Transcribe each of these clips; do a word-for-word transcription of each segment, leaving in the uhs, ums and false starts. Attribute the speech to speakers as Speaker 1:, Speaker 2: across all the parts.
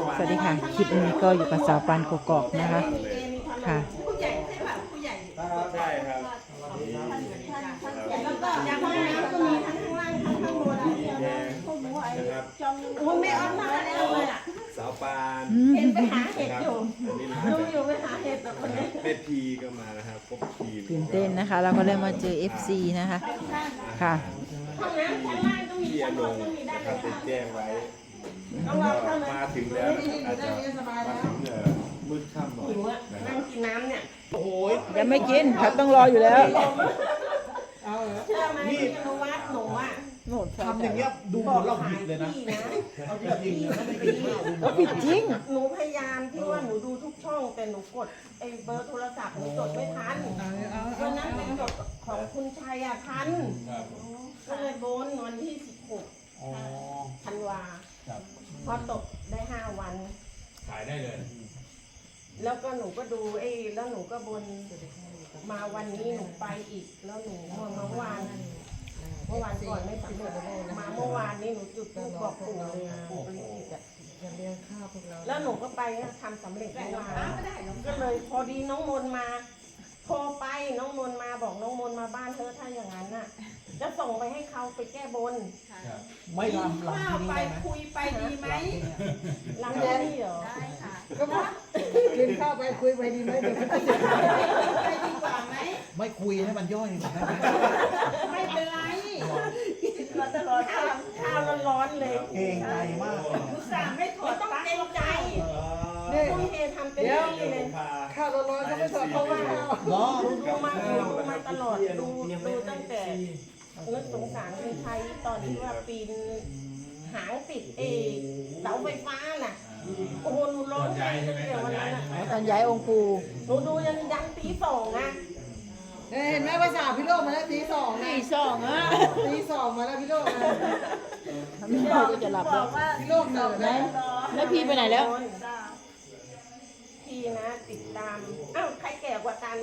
Speaker 1: สวัสดีค่ะคลิปนี้ก็อยู่กับสาวปานกกอกนะคะค่ะ
Speaker 2: ผู้ใหญ่ใช่ป่ะผู้ใหญ่
Speaker 3: ใช่ครับ
Speaker 2: แล้วก็ยางห้องน้ำก็มีทั้งข้างล่างทั้งข้างบน
Speaker 3: แดงนะครับ
Speaker 2: โอ้ไม่ออนมาแล้วเลยอ่ะ
Speaker 3: สาวปาน
Speaker 2: เห็นไปหาเห็ด
Speaker 3: นะครับ
Speaker 2: อยู่
Speaker 3: อันนี้มา
Speaker 2: ดูอยู่ไปหาเห็ดแต่คนนี้
Speaker 3: แม่พีก็มานะครับครบทีม
Speaker 1: ตื่นเต้นนะคะเราก็ได้มาเจอ เอฟ ซี นะคะค่ะ
Speaker 2: ห้องน้ำชั้นล่างก็มี
Speaker 3: พี่อ
Speaker 2: ชั้น
Speaker 3: น
Speaker 2: บน
Speaker 3: ง
Speaker 2: ก็มีได้
Speaker 3: นะค
Speaker 2: เล
Speaker 3: รับ
Speaker 2: ย
Speaker 3: ได้แจ้งไว้
Speaker 2: ต้องรอเข้าเลย
Speaker 3: มาถึงแล้วอาจจะมาถึงเอ่อมืดค่ำหน่อย
Speaker 2: หิวอ่ะ
Speaker 3: นะค
Speaker 2: นั่
Speaker 3: รับ
Speaker 2: งกินน้ำเนี่ย
Speaker 1: ยังไม่กินเขาต้องรออยู่แล้ว
Speaker 2: เชื่อไหมพี่อนุวัฒน์หนูอ่ะ
Speaker 4: ทำอย่างเงี้ยดูเหมือนเราผิดเลยนะ
Speaker 2: พี่นะ
Speaker 4: เอาจริงๆนะไม่กินข้าวดู
Speaker 1: เขาผิดจริง
Speaker 2: หนูพยายามที่ว่าหนูดูทุกช่องแต่หนูกดไอ้เบอร์โทรศัพท์หนูจดไม่ทันวันนั้นหนูจดของคุณชัยอ่ะทันก็เลยโบนวันที่สิบหก
Speaker 4: อ๋อ
Speaker 2: ธันวา
Speaker 4: ครับ
Speaker 2: พอตกได้ห้าวัน
Speaker 5: ขายได้เลย
Speaker 2: แล้วก็หนูก็ดูไอ้แล้วหนูก็บนมาวันนี้หนูไปอีก แล้วหนูมาเมื่อวานเมื่อวานก่อนไม่สำเร็จมาเมื่อวานนี้หนูจุดธูปบอกปู่เลยปู่ปริจิตรอะแล้วหนูก็ไปทำสำเร็จเมื่อวานก็เลยพอดีน้องมนมาโทรไปน้องมนมาบอกน้องมนมาบ้านเธอถ้าอย่างนั้นน่ะ จะส่งไปให้เขาไปแก้บน
Speaker 4: ไม่ลำลำที่นี่ได้ไหม
Speaker 2: คุยไปดีไหมหลังจากนี้เหรอได้ค่ะ
Speaker 6: กินข้าวไปคุยไปดีไหมเดี๋ยวมันจะ
Speaker 2: ไปดีกว่าไหม
Speaker 4: ไม่คุยให้มันย่อยได้ไหม
Speaker 2: ไม่เป็นไรเราจะรอข้าวข้าวร้อนๆเลย
Speaker 4: เก่งใจมากเลย
Speaker 2: อุตส่าห์ไม่ถอดต้องเกรงใจ
Speaker 6: นี่
Speaker 2: ทุ่มเททำเต็มที่เลย
Speaker 6: ข้าวร้อนๆก็ไม่สดเพราะว่า
Speaker 4: เนาะ
Speaker 2: ดูดูมาดูมาตลอดดูดูตั้งแต่นึกสงสารคนไทยตอนที่ว่าปีนหางติดเอเสาไฟฟ้าน่ะโอ้โหหนูร้องไห้ตั้งแต่วันนั้นน่ะ
Speaker 1: ตอนย้ายองค์ปู่
Speaker 2: หนูดูยันยันตีสองอ่ะ
Speaker 6: เห็นไหมภาษาพี่โลกมาแล้วตีสองนะ
Speaker 1: ตีสองอ่ะ
Speaker 6: ตีสองมาแล้วพี่โลกนะ
Speaker 1: ไม่พอก็จะหลับแล้ว
Speaker 6: พี่โลกเหนื่อยไหม
Speaker 1: แล้วพี่ไปไหนแล้ว
Speaker 2: พี่นะติดตามอ้าวใครแก่กว่ากัน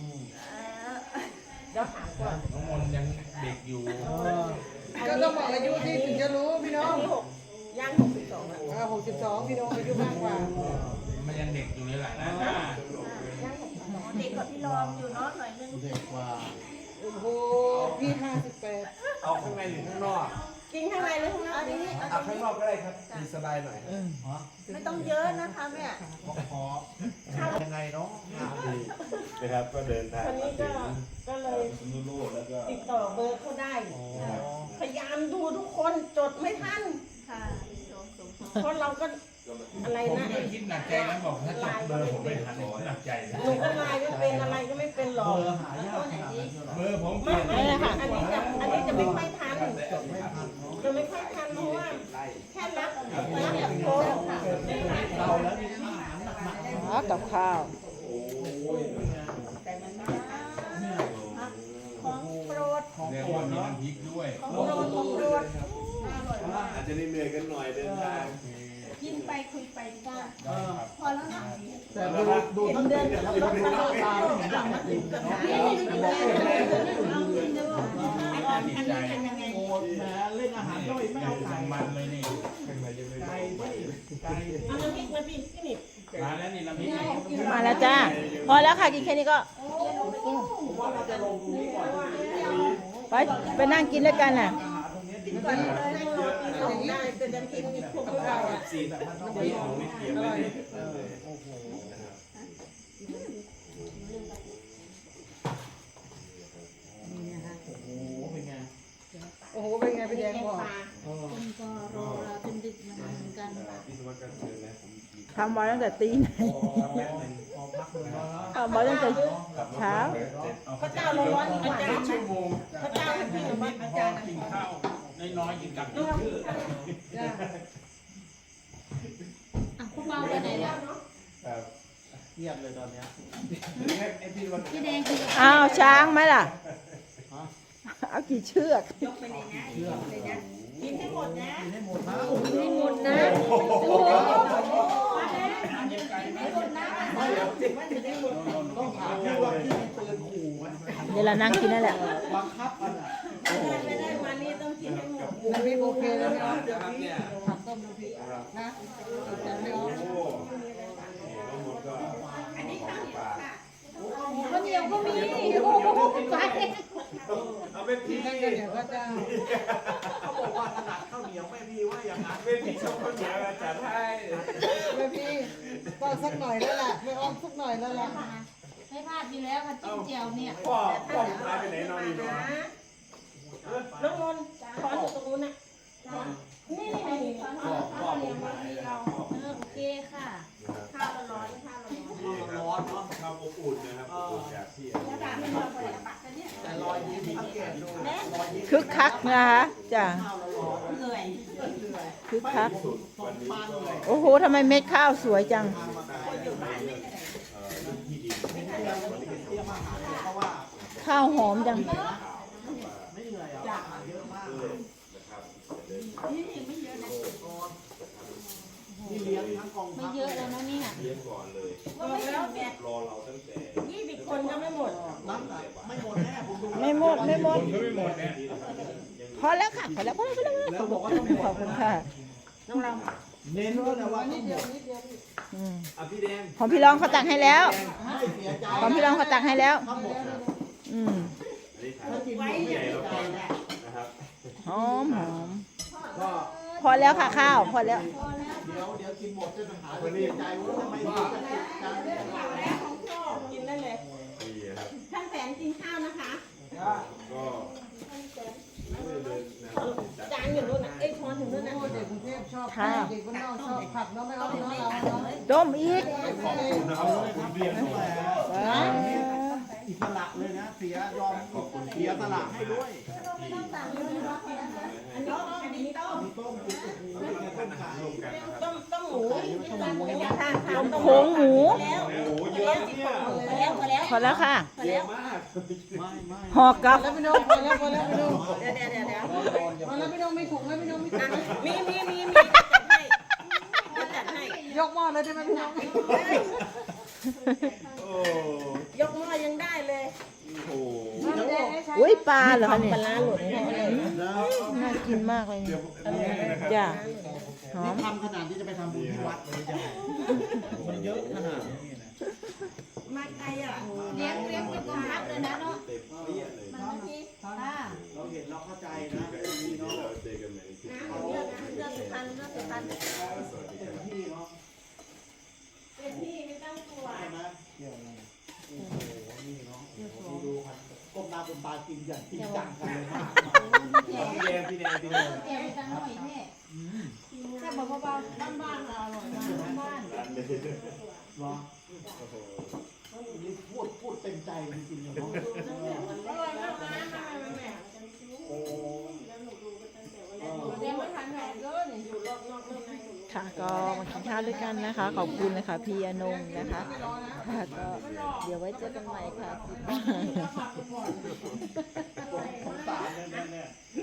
Speaker 2: เดี๋ยวถามก่อน
Speaker 5: น้องมนต์ยังเด็กอยู่
Speaker 6: ก็ต้องบอกอายุที่ถึงจะรู้พี่น้อง
Speaker 2: อันนี้หกย่างหกสิบสองแล้ว
Speaker 6: อ่าหกสิบสองพี่น้องอายุมากกว่า
Speaker 5: มันยังเด็กอยู่เลยแหละนะ
Speaker 2: ย่างหกสิบสองเด็กกว่าพี่รองอยู่เนาะหน่อยนึง
Speaker 4: เด็กกว่า
Speaker 6: โอ้โหพี่ห้าสิบแปด
Speaker 3: เอาข้างในหรือข้างนอก
Speaker 2: กินข้างในหรือข้างนอกนี่
Speaker 3: เอาข้างนอกก็ได้ครับมีสบายหน่อย
Speaker 2: ไม่ต้องเยอะนะคะแม่
Speaker 4: ขอยังไงเนาะ
Speaker 3: ดีนะครับก็เดินทาง
Speaker 2: คน
Speaker 3: มา
Speaker 2: นี้
Speaker 3: ถึ
Speaker 2: ก็
Speaker 3: ง
Speaker 2: ก็เลย
Speaker 3: สนุโลกแล้วก็
Speaker 2: ติดต่อเบอร์เขาได้ พยายามดูทุกคนจดไม่ทันเพราะเราก็อะไร
Speaker 5: ผม
Speaker 2: นะ
Speaker 5: ก็คิดหนักใจนะบอกถ้าจดเบอร์ผมไม่ทันผมหนักใจนะ
Speaker 2: หนูก็ไลน์ไม่เป็นอะไรก็ไม่เป็นหรอก
Speaker 4: เบอร์หายากขนาดนั้นเหรอ
Speaker 5: เบอร์ผมเป
Speaker 2: ไม่
Speaker 5: ลี่ยน
Speaker 2: ไม่อันนี้จะอันนี้จะไม่ค่อยทัน
Speaker 4: ไม่ทันเนาะ
Speaker 2: จะไม่ค่อยทันเพราะว่าแค่รับรับแบบโทร
Speaker 4: เราแล้วมีอาหารหนักๆ
Speaker 1: อ๋อกับข้าว
Speaker 2: ของโปรด
Speaker 4: ของ
Speaker 5: เรียก
Speaker 4: โปร
Speaker 5: ว่า
Speaker 4: ด
Speaker 5: มี
Speaker 4: เนาะ
Speaker 5: น้ำพริกด้วย
Speaker 2: ของโปรดของโปรด
Speaker 3: อาจจะเหนื่อยๆกันหน่อยเดินทาง
Speaker 2: กินไปคุยไปดีกว่า
Speaker 4: เออ
Speaker 2: พอแล้วนะ
Speaker 4: แต่ดูดูตั้งแต่แล้วก็ดูหน้าตาไม่เห็นดังนะติดเนาะบอกเองเลยโอ้แหมเล่นอาหารย่อยไม่เอาไก่
Speaker 5: มันเลยนี่
Speaker 4: ไก่ไม่ไก่
Speaker 2: เอาน้ำพริกมาพี่พี่นิด
Speaker 5: มาแล้วนี่น้ำพริกนี่
Speaker 1: มาแล้วจ้าพอแล้วค่ะกินแค่นี้ก็
Speaker 4: ผมว่าเราจะลงตรงนี้ก่อน
Speaker 1: ไปไปนั่งกินด้วยกันน่ะ
Speaker 4: อาหารตรงนี้ดี
Speaker 2: ก่อนเลยให้รอกินของได้แต่จะกินอีกพวกเราอ่ะ
Speaker 3: สีแบบมันต้องมีของไม่เกี่ยวไม่ได้
Speaker 4: เออโอ้โห โอ้โหเป็นไง
Speaker 6: โอ้โหเป็นไงพี่แดงบอก
Speaker 4: เออ
Speaker 7: ก็รอเราจนดึกนะคะเหมือนกัน
Speaker 3: พี่สวัสดิ์ก็เชิญนะผม
Speaker 1: ทำมาตั้งแต่ตีไหน
Speaker 4: พอพักเลยเนาะ
Speaker 1: ทำมาตั้งแต่เช้า
Speaker 2: พระเจ้าร้อนๆอาจารย์
Speaker 5: ชั่วโมง
Speaker 2: พระเจ้าให้พี่หนูมาอาจารย์
Speaker 5: กินข้าวน้อยๆกินกับชื่อ
Speaker 6: จ้า
Speaker 7: อ่ะพวกเราไปไหนแล้ว
Speaker 3: ครับ
Speaker 4: เงียบเลยตอนเนี้ย
Speaker 3: ไอ้พี่วัน
Speaker 7: พี่แดงคือ
Speaker 1: อ้าวช้างไหมล่ะ เอากี่เชือก
Speaker 2: ยกไปเลยนะเลยนะกินให้หมดนะ
Speaker 4: กินให้หมดนะ
Speaker 7: ไม่หมดนะ
Speaker 4: ต้องถามพี่ว่าพี่มีปืนขู่ไหม
Speaker 1: เดี๋ยวเรานั่งกินนั่นแหละ
Speaker 4: บังคับกันอ่ะ
Speaker 2: ไม่ได้มานี่ต้องกินให้หมด
Speaker 6: น้ำพริกโอเคแล้วพี่น้อง
Speaker 3: ครับเนี่ย
Speaker 6: ผักต้มน้ำพริกนะแต่ไม่ออกก็เดี๋ยวก็จะ
Speaker 4: เขาบอกว่าถนัดข้าวเหนียวแม่พี่ว่าอย่างนั้น
Speaker 3: ไม่ผิดชอบข้าวเหนียวจัดให้
Speaker 6: แม่พี่ต้องสักหน่อยแล้วล่ะไม่อ้อมสักหน่อยแล้วล่ะ
Speaker 7: ไม่พลาดอยู่แล้วค่ะจิ้มเจียวเนี่ย
Speaker 3: พ่อพ่อผมหายไปไหนนอนนี่เนาะ
Speaker 2: น้องนนท์ถอนอยู่ตรงนู้นน่ะนี่นี่นี่
Speaker 3: พ่อพ่อผมหาย
Speaker 7: เออโอเคค่ะ
Speaker 2: ข้าวร้อนข้าวร้อน
Speaker 4: ร้อนเนาะ
Speaker 3: ข้าวอบอุ่นนะครับอบอุ่นจากที่
Speaker 4: แต่รอยยิ้มสังเกตดูรอยยิ้ม
Speaker 1: คึกคักนะคะจ้ะ
Speaker 4: ข้าวร้อน
Speaker 2: เหนื่อย
Speaker 1: คึกคัก
Speaker 3: สุดวันนี้
Speaker 4: มันเลย
Speaker 1: โอ้โหทำไมเม็ดข้าวสวยจัง
Speaker 3: เอ่อเรื่องที่ดิน
Speaker 4: เตรียมเตรียมอาหารเพราะว่า
Speaker 1: ข้าวหอมจัง
Speaker 4: ไม่เหนื่อยอ่ะอาหารเยอะมากเลย
Speaker 3: นะครับ
Speaker 4: นี่เลี้ยงทั้งกอง
Speaker 7: ไม่
Speaker 4: ทัพ
Speaker 7: เยอะแล้วนะเนี่ย
Speaker 3: เลี้ยงก่อนเลย
Speaker 2: ก็ไม่แล้วเนี่ย
Speaker 3: รอเราตั้งแต่
Speaker 2: ยี่สิบคนก็ไม่หมด
Speaker 4: น้ำหนักไม่หมดแน่ผมดู
Speaker 1: ไม่หมดไม่หมด
Speaker 5: คนก็ไม่หมดเนี่ย
Speaker 1: พอแล้วค่ะพอแล้วพอแล้วพอแล้ว
Speaker 4: แล้วบอกว่าต้องหม
Speaker 1: ขอบ
Speaker 4: ด
Speaker 1: คุณค่ะ
Speaker 4: เน้นด้วยนะว่าต้องหมด
Speaker 1: อืม
Speaker 4: อ่ะพี่แดง
Speaker 1: ของพี่รองเขาตักให้แล้ว
Speaker 4: ไม่เสียใจ
Speaker 1: ของพี่รองเขาตักให้แล้ว
Speaker 4: ทั้งหมด
Speaker 1: อืม
Speaker 3: อันนี้ถาม
Speaker 4: ถ้ากินหมด
Speaker 3: ผู้
Speaker 4: ไม่
Speaker 3: ใหญ่
Speaker 4: เสีย
Speaker 3: เรา
Speaker 4: ใจ
Speaker 3: ก็
Speaker 4: นะ
Speaker 3: นะครับ
Speaker 1: หอมหอม
Speaker 4: ก็
Speaker 1: พอแล้วค่ะข้าวพอแล้ว
Speaker 4: เดี๋ยวเดี๋ยวกินหมดจะปัญหาจะเสียใจว่าทำไมถึงจะติดกัน
Speaker 2: กินได้เลย
Speaker 3: ดีครับ
Speaker 2: ท่านแสนกินข้าวนะคะ
Speaker 3: ก็ไม่ได้เดินนะครับจัด
Speaker 2: จานอยู่นู่นน่ะเอ้ยช้อนอยู่นู่นน่ะ
Speaker 6: เด็กกรุงเทพชอบ
Speaker 1: ค่ะ
Speaker 6: เด็กบ้านนอกชอบผัดเนาะไม่อ้อมเนาะเราเนาะ
Speaker 1: ต้มอีก
Speaker 3: ขอบคุณนะครับขอบคุณเรียนด้วย
Speaker 1: ว้าว
Speaker 4: อิสระเลยนะเสียยอมเสียสละให้ด้วย
Speaker 2: อันนี้อันนี้ต้ม
Speaker 4: มีต้มกินโอ้โหต้มไก่
Speaker 3: ร่วมกันนะครับ
Speaker 2: ต้มต้มหมูค่ะ
Speaker 1: ต้มโค้งหมู
Speaker 2: แล้ว
Speaker 3: โอ้โหเยอะเนี่ย
Speaker 2: พอแล้วพอแล้ว
Speaker 1: พอแล้วค่ะ
Speaker 2: พอแล้ว
Speaker 3: มาก
Speaker 4: ไม่ไม่
Speaker 1: ห่อกับ
Speaker 6: แล้วพี่น้องพอแล้วพอแล้วพี่น้อง
Speaker 2: เดี๋ยวเดี๋ยวเดี๋ยวเดี๋ยว
Speaker 6: พอแล้วพี่น้องไม่ถุงแล้วพี่น้องไม่ถุง
Speaker 2: มีมีมีมีจัดให้จัดให้
Speaker 6: ยกหม้อเลยได้ไหมพี่น้อง
Speaker 3: โอ้
Speaker 2: ยกหม้อยังได้เลย
Speaker 3: โห
Speaker 1: อุ้ยปลาเหรอคะเนี่ย
Speaker 2: ปลาร้าหลุดให้เลย
Speaker 1: น่ากินมากเลย
Speaker 3: เดี๋ยวอันนี้นะครับ
Speaker 1: จ้ะหอ
Speaker 4: นี่
Speaker 1: ม
Speaker 4: ทำขนาดที่จะไปทำบุญที่วัดเลยจ้ะมันเยอะขนาดนี้นะ
Speaker 2: มาไกลอ่ะ
Speaker 7: เลี้ยงเลี้ยงเป็นกองทัพเลยนะเนาะ
Speaker 3: เต็มเปี้ยเลย
Speaker 7: มาทีค่ะ
Speaker 4: เราเห็นเราเข้าใจนะมีเนาะ
Speaker 3: เราเจอกันในคลิป
Speaker 2: น้ำเลือกนะเลือกสุพรรณเลือกสุพรรณ
Speaker 3: สวัสดีค
Speaker 4: เต็
Speaker 3: รั
Speaker 4: ม
Speaker 3: บ
Speaker 4: ที่เนาะ
Speaker 2: เป็นที่ไม่ต้องกลัว
Speaker 4: ใช่ไหมเกี่ยวอะไรโอ้โหนี่เนาะดูดูครับก้มหน้าก้มตากินอย่างจริงจังกันเลยมาก
Speaker 3: พี่แดงพี่แดงพี่แดง
Speaker 7: เกี่ยวกันหน่อยแม่แค่บอกเบาๆบ้านๆเราอร่อยมากบ้าน
Speaker 3: ร้านเลย
Speaker 4: เหรอนี่พูดพูดเต็มใจจริงๆเนาะ
Speaker 2: อร่อยมากนะแม่
Speaker 4: โอ้
Speaker 7: เลี้ยงไม่ทันแม่เด้อนี่
Speaker 2: อยู่รอบนอกรอบใน
Speaker 1: ค่ะก็มากินข้าวด้วยกันนะคะ ขอบคุณนะคะพี่อนงนะคะค่ะก็เดี๋ยวไว้เจอกันใหม่ค่ะ
Speaker 4: สงสารเลยเนี่ย